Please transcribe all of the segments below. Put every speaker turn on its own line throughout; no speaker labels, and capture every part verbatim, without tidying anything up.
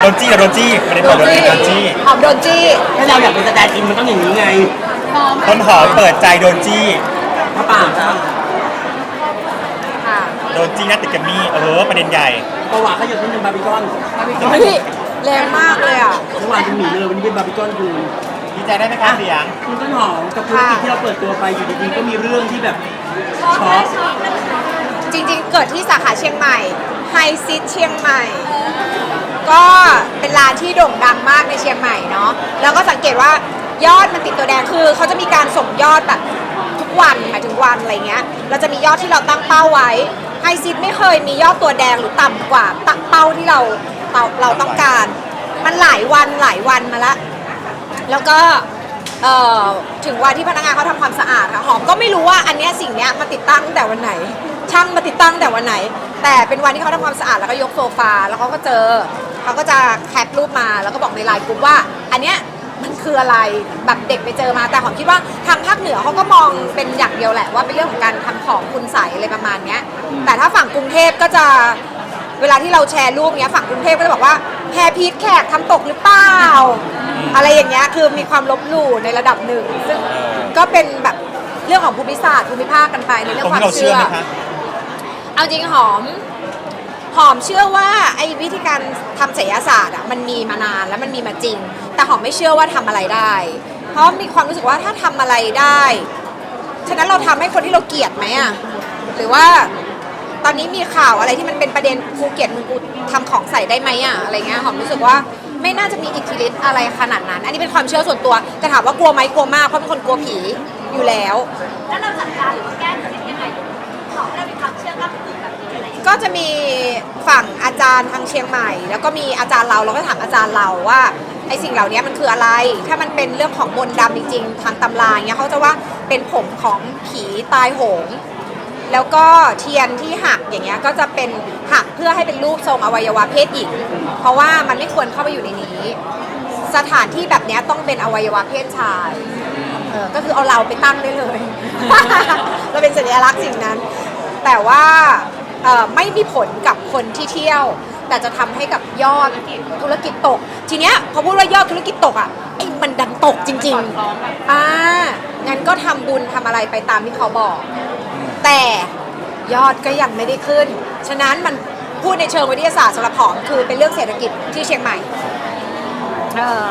นจี้โดนจี้ไม่ได้เปิดโดนจี้โดนจี้
หอมโดนจี้
ถ้าเราอยากเป็นสแตนด์อินมันต้องอย่างนี้ไง
ต้นหอมเปิดใจโดนจี้
พระป่างครับ
ค่ะ
โดนจี้นัดติดกับมี่เออประเด็นใหญ่
ประวัติเขาอยากเป็นบาร์บีคอน
เฮ้ยแรงมากเลยอ่ะ
เมื่อวานเป็นหมีเลยวันนี้เป็นบาร์บีคอนคือ
ดีใจได้ไหมคะเสียง
คุณต้นหอมกับธุรกิจที่เราเปิดตัวไปอยู่ดีๆก็มีเรื่องที่แบบช็อก
จริงๆ เกิดที่สาขาเชียงใหม่ไฮซิตเชียงใหม่ ก็เป็นร้านที่โด่งดังมากในเชียงใหม่เนาะแล้วก็สังเกตว่ายอดมันติดตัวแดงคือเขาจะมีการส่งยอดแบบทุกวันหมายถึงวันอะไรเงี้ยเราจะมียอดที่เราตั้งเป้าไว้ไฮซิตไม่เคยมียอดตัวแดงหรือต่ำกว่าตั้งเป้าที่เราเราเราต้องการ มันหลายวันหลายวันมาแล้วแล้วก็เอ่อถึงวันที่พนักงานเขาทำความสะอาดค่ะหอมก็ไม่รู้ว่าอันเนี้ยสิ่งเนี้ยมาติดตั้งแต่วันไหน ช่างมาติดตั้งแต่วันไหน แต่เป็นวันที่เขาทำความสะอาดแล้วก็ยกโซฟาแล้วเขาก็เจอเขาก็จะแคปรูปมาแล้วก็บอกในไลน์กลุ่มว่า อันเนี้ยมันคืออะไรแบบเด็กไปเจอมาแต่หอมคิดว่าทางภาคเหนือเขาก็มองเป็นอย่างเดียวแหละว่าเป็นเรื่องของการทำของคุณใสอะไรประมาณเนี้ยแต่ถ้าฝั่งกรุงเทพก็จะเวลาที่เราแชร์รูปเนี้ยฝั่งกรุงเทพก็จะบอกว่าแพรพีทแขกทำตกหรือเปล่าอะไรอย่างเงี้ยคือมีความลบหลู่ในระดับหนึ่งซึ่งก็เป็นแบบเรื่องของภูมิศาสตร์ภูมิภาคกันไปในเรื่องความเชื่อเอาจริงหอมหอมเชื่อว่าไอ้วิธีการทำไสยศาสตร์อ่ะมันมีมานานแล้วมันมีมาจริงแต่หอมไม่เชื่อว่าทำอะไรได้ เพราะมีความรู้สึกว่าถ้าทำอะไรได้ฉะนั้นเราทำให้คนที่เราเกลียดไหมอ่ะหรือว่าตอนนี้มีข่าวอะไรที่มันเป็นประเด็นกูเกลียดมึงกูทำของใส่ได้ไหมอ่ะอะไรเงี้ยหอมรู้สึกว่าไม่น่าจะมีอิทธิฤทธิ์อะไรขนาดนั้นอันนี้เป็นความเชื่อส่วนตัวแต่ถามว่ากลัวไหมกลัวมากเพราะเป็นคนกลัวผีอยู่แล้ว
แล้วเราจัดการหรือว่าแก้ปัญหายังไงขอให้เรามีความเชื่อกับอื่นแบบนี้อะไรอย่างเงี้ย
ก็จะมีฝั่งอาจารย์ทางเชียงใหม่ แล้วก็มีอาจารย์เราเราก็ถามอาจารย์เราว่าไอ้สิ่งเหล่านี้มันคืออะไร ถ้ามันเป็นเรื่องของมนต์ดำจริงๆทางตำราเงี้ยเขาจะว่าเป็นผมของผีตายโหงแล้วก็เทียนที่หักอย่างเงี้ยก็จะเป็นหักเพื่อให้เป็นรูปทรงอวัยวะเพศหญิงเพราะว่ามันไม่ควรเข้าไปอยู่ในนี้ สถานที่แบบเนี้ยต้องเป็นอวัยวะเพศชายเออก็คือเอาเราไปตั้งได้เลย เราเป็นสัญลักษณ์สิ่งนั้น แต่ว่าเอ่อไม่มีผลกับคนที่เที่ยว แต่จะทำให้กับยอดธุรกิจตก ทีเนี้ยพอพูดว่ายอดธุรกิจตกอ่ะไอ้มันดันตกจริงๆอ่างั้นก็ทำบุญทำอะไรไปตามที่เขาบอก แต่ยอดก็ยังไม่ได้ขึ้น ฉะนั้นมันพูดในเชิงวิทยาศาสตร์สำหรับหอมคือเป็นเรื่องเศรษฐกิจที่เชียงใหม่เออ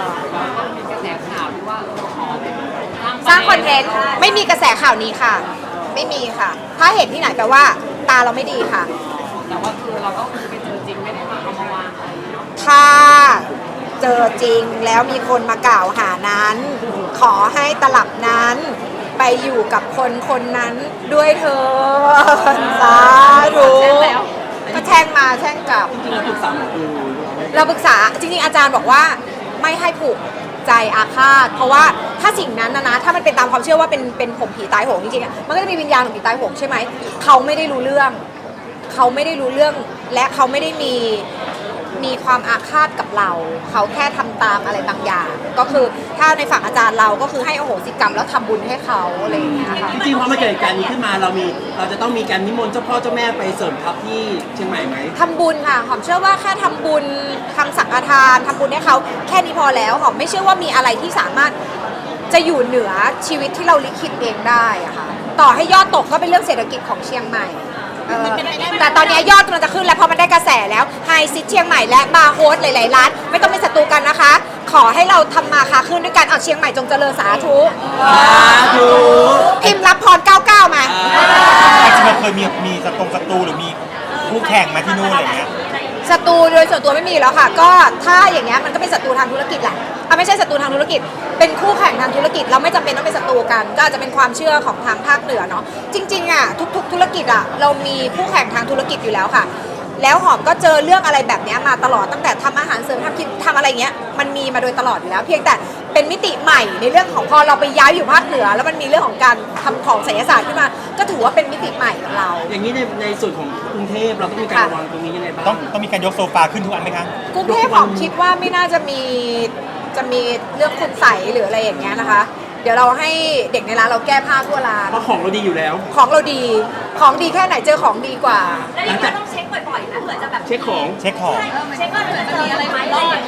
สร้างคอนเทนต์ไม่มีกระแสข่าวนี้ค่ะ ไม่มีค่ะ ถ้าเห็นที่ไหนแปลว่าตาเราไม่ดีค่ะ
แต่ว่าคือเราก็คือไปเจอจริงไม่ได้มาเอามาวางอะไร
ถ้าเจอจริงแล้วมีคนมากล่าวหานั้น ขอให้ตลับนั้น ไปอยู่กับคนคนนั้นด้วยเธอสาธุก็แช่งมาแช่งกลับ
จริงๆเราปรึกษาหมอดู
เราปรึกษาจริงๆอาจารย์บอกว่าไม่ให้ผูกใจอาฆาตเพราะว่าถ้าสิ่งนั้นนะนะถ้ามันเป็นตามความเชื่อว่าเป็นเป็นผมผีตายโหงจริงๆอะมันก็จะมีวิญญาณของผีตายโหงใช่ไหมเขาไม่ได้รู้เรื่อง เขาไม่ได้รู้เรื่องและเขาไม่ได้มีมีความอาฆาตกับเรา เขาแค่ทำตามอะไรบางอย่าง ก็คือถ้าในฝั่งอาจารย์เราก็คือให้อโหสิกรรมแล้วทำบุญให้เขาอะไรอย่างเงี้ยค่ะ
จริงๆพอมาเกิดเหตุการณ์นี้ขึ้นมาเรามีเราจะต้องมีการนิมนต์เจ้าพ่อเจ้าแม่ไปเสริมทัพที่เชียงใหม่ไหม
ทำบุญค่ะหอมเชื่อว่าแค่ทำบุญทำสังฆทานทำบุญให้เขาแค่นี้พอแล้วหอมไม่เชื่อว่ามีอะไรที่สามารถจะอยู่เหนือชีวิตที่เราลิขิตเองได้อะค่ะต่อให้ยอดตกก็เป็นเรื่องเศรษฐกิจของเชียงใหม่เออแต่ตอนนี้ยอดกำลังจะขึ้นแล้วเพราะมันได้กระแสแล้วไฮซิตเชียงใหม่และบาร์โฮสหลายๆร้านไม่ต้องเป็นศัตรูกันนะคะ ขอให้เราทำมาค้าขึ้นด้วยกันเอาเชียงใหม่จงเจริญสาธุ
สาธุ
พิมพ์รับพรเก้าเก้ามา
จริงๆเราเคยมีมีศัตรูศัตรูหรือมีคู่แข่งมาที่นู่นอะไรเงี้ย
ศัตรูโดยส่วนตัวไม่มีแล้วค่ะ ก็ถ้าอย่างเงี้ยมันก็เป็นศัตรูทางธุรกิจแหละอ่ะไม่ใช่ศัตรูทางธุรกิจ เป็นคู่แข่งทางธุรกิจเราไม่จำเป็นต้องเป็นศัตรูกัน ก็อาจจะเป็นความเชื่อของทางภาคเหนือเนาะจริงๆอ่ะทุกๆธุรกิจอ่ะเรามีคู่แข่งทางธุรกิจอยู่แล้วค่ะ แล้วหอมก็เจอเรื่องอะไรแบบนี้มาตลอดตั้งแต่ทำอาหารเสริมทำคิดทำอะไรเงี้ยมันมีมาโดยตลอดอยู่แล้ว เพียงแต่เป็นมิติใหม่ในเรื่องของพอเราไปย้ายอยู่ภาคเหนือ แล้วมันมีเรื่องของการทำของไสยศาสตร์ขึ้นมา ก็ถือว่าเป็นมิติใหม่ของเรา
อย่างนี้ในในส่วนของกรุงเทพเราต้องมีการระวังตรงนี้ยังไงบ้าง
ต้องต้องมีการยกโซฟาขึ้นทุกอันไหมคะ
กรุงเทพหอมคิดว่าไม่น่าจะมีจะมีเรื่องคุณใสหรืออะไรอย่างเงี้ยนะคะ เดี๋ยวเราให้เด็กในร้านเราแก้ผ้าทั่วร้าน
เพราะของเราดีอยู่แล้ว
ของเราดีของดีแค่ไหนเจอของดีกว่า
แล้วอย่างนี้เราต้องเช็คบ่อยๆนะเผื่อจะแบบ
เช็คของ
เช็คของ
เช็คว่าเผื่อจะมีอะไรไหมอะไรอย่างเงี้ย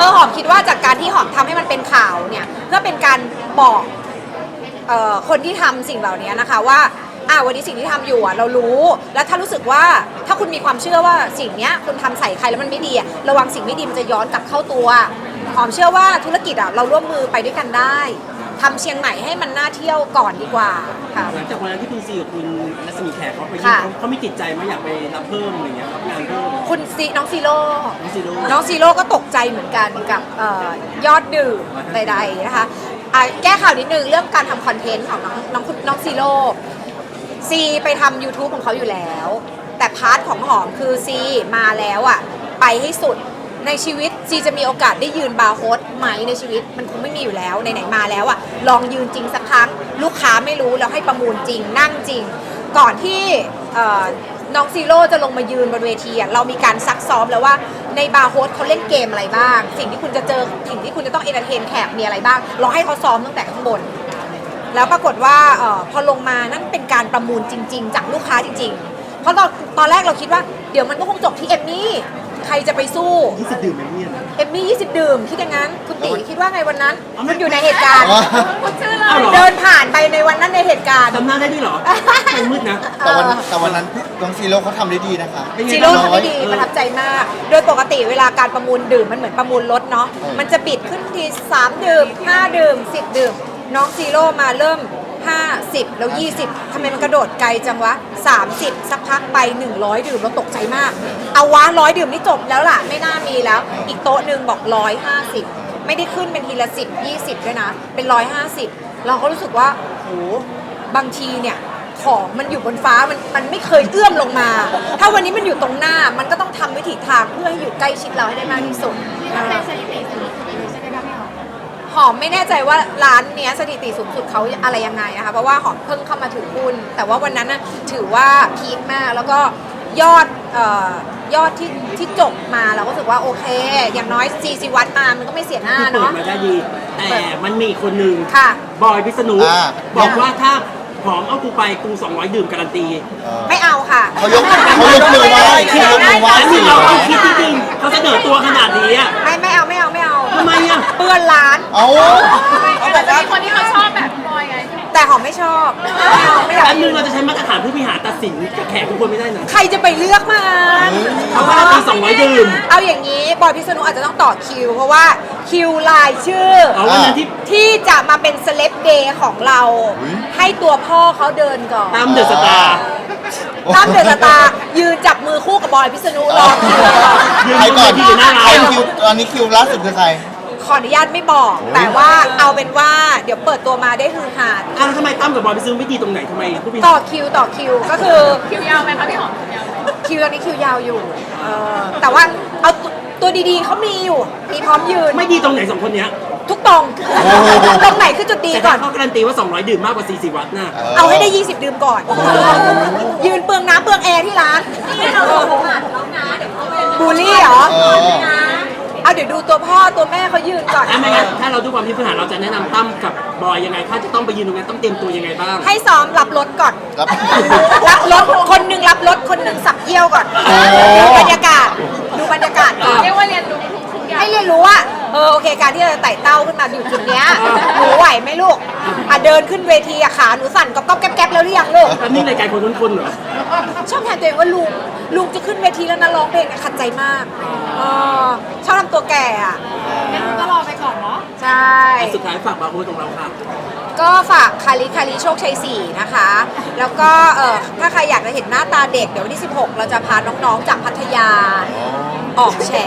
คือหอมคิดว่าจากการที่หอมทำให้มันเป็นข่าวเนี่ยเพื่อเป็นการบอกเอ่อคนที่ทำสิ่งเหล่านี้นะคะว่าอ่าวันนี้สิ่งที่ทำอยู่อ่ะเรารู้แล้วถ้ารู้สึกว่าถ้าคุณมีความเชื่อว่าสิ่งเนี้ยคุณทำใส่ใครแล้วมันไม่ดีอ่ะระวังสิ่งไม่ดีมันจะย้อนกลับเข้าตัวหอมเชื่อว่าธุรกิจอ่ะเราร่วมมือไปด้วยกันได้ทำเชียงใหม่ให้มันน่าเที่ยวก่อนดีกว่าค่ะ
หลังจากวันนั้นที่คุณซีกับคุณรัศมีแขกเขาไปยื่น
ค่ะ
เขาเขามีติดใจไหมอยากไปรับเพิ่มอะไรเงี้ยรับงานเพิ่ม
คุณซีน้องซีโร่
น้องซีโร่
น้องซีโร่ก็ตกใจเหมือนกันกับเอ่อยอดดื่มใดๆนะคะอ่ะแก้ข่าวนิดนึงเรื่องการทำคอนเทนต์ของน้องน้องคุณน้องซีโร่ซีไปทำ YouTube ของเขาอยู่แล้ว แต่พาร์ทของหอมคือซีมาแล้วอ่ะไปให้สุดในชีวิตซีจะมีโอกาสได้ยืนบาร์โฮสไหมในชีวิตมันคงไม่มีอยู่แล้วไหนๆมาแล้วอ่ะลองยืนจริงสักครั้งลูกค้าไม่รู้แล้วให้ประมูลจริงนั่งจริง ก่อนที่เอ่อน้องซีโร่จะลงมายืนบนเวทีอ่ะเรามีการซักซ้อมแล้วว่าในบาร์โฮสเขาเล่นเกมอะไรบ้าง สิ่งที่คุณจะเจอสิ่งที่คุณจะต้องเอนเตอร์เทนแขกมีอะไรบ้างลองให้เขาซ้อมตั้งแต่ข้างบน แล้วปรากฏว่าเออพอลงมานั่นเป็นการประมูลจริง ๆ จากลูกค้าจริง ๆ เพราะตอนตอนแรกเราคิดว่าเดี๋ยวมันก็คงจบที่เอมมี่ใครจะไปสู้
ยี่สิบดื่มไหมเนี่ย
เอมมี่ยี่สิบดื่มคิดอย่างนั้นคุณตีคิดว่าไงวันนั้นมันอยู่ในเหตุการณ์
พูดชื่อเล
อ้าวย เหรอ
เดินผ่านไปในวันนั้นในเหตุการณ์
จำหน้าได้ด้วยเหรอเป็นมืดนะ
แต่วันแต่วันนั้นพี่น้องซีโร่เขาทำได้ดีนะคะ
เป็นไง
ซีโร่
บ้าง
ทำได้ดีประทับใจมาก โดยปกติเวลาการประมูลดื่มมันเหมือนประมูลรถเนาะ
เออ
มันจะบิดขึ้นทีสามดื่มห้าดื่มสิบดื่ม น้องซีโร่มาเริ่มห้าสิบแล้วยี่สิบทำไมมันกระโดดไกลจังวะสามสิบสักพักไปหนึ่งร้อยดื่มเราตกใจมาก เอาวะร้อยดื่มนี่จบแล้วล่ะ ไม่น่ามีแล้ว อีกโต๊ะหนึ่งบอกร้อยห้าสิบไม่ได้ขึ้นเป็นทีละสิบยี่สิบด้วยนะ เป็นร้อยห้าสิบเราก็รู้สึกว่าโหบางทีเนี่ย ของมันอยู่บนฟ้ามันมันไม่เคยเอื้อมลงมา ถ้าวันนี้มันอยู่ตรงหน้ามันก็ต้องทำวิถีทางเพื่อให้อยู่ใกล้ชิดเราให้ได้มากที่สุด
เป็นสถิติสูงสุดเลยใช่ไหมคะพี่หอม
หอมไม่แน่ใจว่าร้านเนี้ยสถิติสูงสุดเขาอะไรยังไงนะคะเพราะว่าหอมเพิ่งเข้ามาถือหุ้นแต่ว่าวันนั้นน่ะถือว่าพีคมากแล้วก็ยอดเอ่อยอดที่ที่จบมาเราก็รู้สึกว่าโอเค อย่างน้อยซีซีวัดมามันก็ไม่เสียหน้า
คือเปิด
เนาะ
มาได้ดี แต่มันมีอีกคนหนึ่ง
ค่ะ
บอยพิษณุ
อ่า
บอกว่าถ้าหอมเอากูไปกูสองร้อยดื่มการันตี
เออ
ไม่เอาค่ะ
เขายกเขายกมือไหว้เขายกมือไหว้
อัน
สิ
นี้เราต้องคิดจริงๆเขาเสนอตัวขนาดนี้อะ
ไม่ไม่เอาไม่เอาไม่เอา
ทำไมอะ
เปื้อนร้าน
เอา
แต่จะมีคนที่เขาชอบแบบบอยไง
แต่หอมไม่ชอบไม่เอาไม่อยาก
อันนึงเราจะใช้มาตรฐานผู้บริหารตัดสินกับแขกทุกคนไม่ได้นะ
ใครจะไปเลือกมัน
เขาการันตีสองร้อยดื่ม
เอาอย่างนี้บอยพิษณุอาจจะต้องต่อคิว เพราะว่าคิวลายชื่อ
เอาวันนั้นที่
ที่จะมาเป็นเซเลบเดย์ของเรา ให้ตัวพ่อเขาเดินก่อน
ตามเดอะสตาร์
ตั้มเดอะสตาร์ยืนจับมือคู่กับบอยพิษณุรอคิวก่อน
ยืน
ใคร
บน
ก่
เว
อน
ทีอยู่หน้า
ใคร
ร้าน
คิวตอนนี้คิวล่าสุดคือใคร
ขออนุญาตไม่บอก แต่ว่าเอาเป็นว่าเดี๋ยวเปิดตัวมาได้ฮือฮา
อ้าวแล้วทำไมตั้มกับบอยพิษณุไม่ดีตรงไหนทำไมผู้บริหาร
ต่อคิวต่อคิวก็คือ
คิวยาวไหมคะพี่หอมคิวยาวไหม
คิวตอนนี้คิวยาวอยู่เออแต่ว่าเอาตัวตัวดีๆเขามีอยู่ มีพร้อมยืน
ไม่ดีตรงไหนสองคนเนี้ย
ทุกตรง ตรงไหนคือจุดดี
แต่
ก่
ถ้า
อน
เขาการันตีว่าสองร้อยดื่มมากกว่าสี่สิบวัตต์น่ะ
เอาให้ได้ ยี่สิบ ดื่มก่อน ยืนเปลืองน้ำเปลืองแอร์ที่ร้าน
นี่เราลงผ่านแล้วนะเดี๋ยวเขาเป็น
บูลลี่เหรอ
เออ
นะ
เอาเดี๋ยวดูตัวพ่อตัวแม่เขายืนก่อน
ถ้าไม่งั้นถ้าเราดูความที่พื้นฐานเราจะแนะนำตั้มกับบอยยังไง ถ้าจะต้องไปยืนตรงนั้นต้องเตรียมตัวยังไงบ้าง
ให้ซ้อมรับรถก่อน
รับ
รับรถ คนหนึ่งรับรถ คนหนึ่งสับเยี่ยวก่อน
โอ้
ดูบรรยากาศ ดูบรรยากาศก่อน
เรียกว่าเรียนรู้ทุกๆอย่าง
ให้เรียนรู้ว่า เออ โอเค การที่เราจะไต่เต้าขึ้นมาอยู่จุดเนี้ย หนูไหวไหมลูก อ่ะเดินขึ้นเวทีอะขาหนูสั่นก๊อบก๊อบแก๊บแก๊บแล้วหรือยังลูก
แล้วนี่รายการคนทุนคนเหรอ
ชอบแทนตัวเองว่าลุง ลุงจะขึ้นเวทีแล้วนะร้องเพลงเนี่ยขัดใจมากเออชอบทำตัวแก่อะ
งั้นก็รอไปก่อนเนาะ
ใช่
สุดท้ายฝากบาร์โฮสของเราค่ะ
ก็ฝากคาริคาริโชคชัยสี่นะคะ แล้วก็เออถ้าใครอยากจะเห็นหน้าตาเด็ก เดี๋ยววันที่ สิบหก เราจะพาน้องๆ จากพัทยาออกแฉ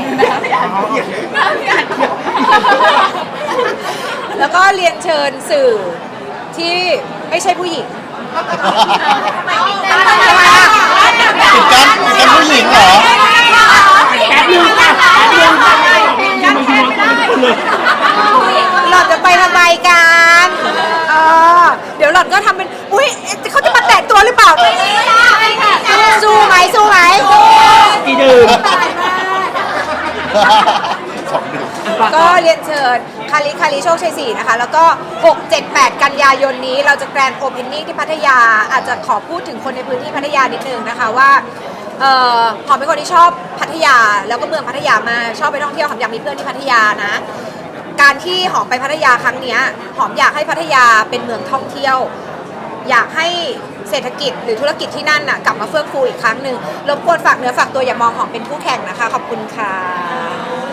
แล้วก็เรียนเชิญสื่อที่ไม่ใช่ผู้หญิง
ทำไมไม่ได้
ทำไมอะ
ปิดกันปิดกันผู้หญิงเหรอ
แป๊บนึงค่ะแป๊บนึงค่ะทำไมคุณมองตัวเป็นคนเลย
หล่อนจะไปทำไมกันเออเดี๋ยวหล่อนก็ทำเป็น อุ้ยเขาจะมาแตะตัวหรือเปล่า สู้ไหมสู้ไหม
กี่ดื่ม
สองดื่ม
ก็เรียนเชิญคาริคาริโชคชัยสี่นะคะ แล้วก็ หก เจ็ด แปด กันยายนนี้เราจะแกรนด์โอเพนนิ่งที่พัทยา อาจจะขอพูดถึงคนในพื้นที่พัทยานิดนึงนะคะว่าเอ่อหอมเป็นคนที่ชอบพัทยาแล้วก็เมืองพัทยามากชอบไปท่องเที่ยวหอมอยากมีเพื่อนที่พัทยานะ การที่หอมไปพัทยาครั้งเนี้ยหอมอยากให้พัทยาเป็นเมืองท่องเที่ยว อยากให้เศรษฐกิจหรือธุรกิจที่นั่นน่ะกลับมาเฟื่องฟูอีกครั้งหนึ่งรบกวนฝากเนื้อฝากตัวอย่ามองหอมเป็นคู่แข่งนะคะขอบคุณค่ะ